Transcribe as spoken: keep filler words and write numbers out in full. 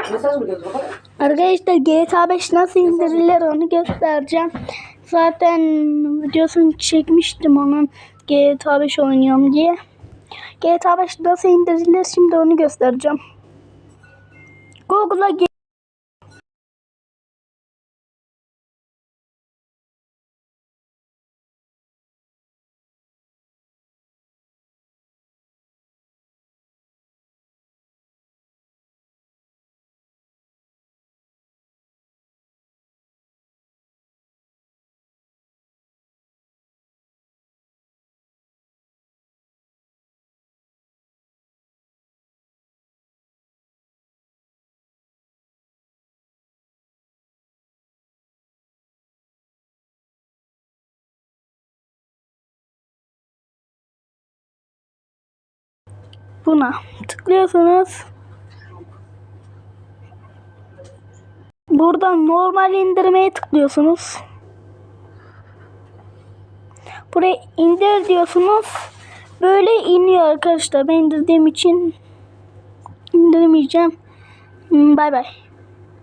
Arkadaşlar G T A beş nasıl indirilir onu göstereceğim. Zaten videosunu çekmiştim onun, G T A beş oynuyorum diye. G T A beş nasıl indirilir şimdi onu göstereceğim. Google'a gir. Buna tıklıyorsunuz. Buradan normal indirmeye tıklıyorsunuz. Buraya indir diyorsunuz. Böyle iniyor arkadaşlar. Ben indirdiğim için indirmeyeceğim. Bay bay.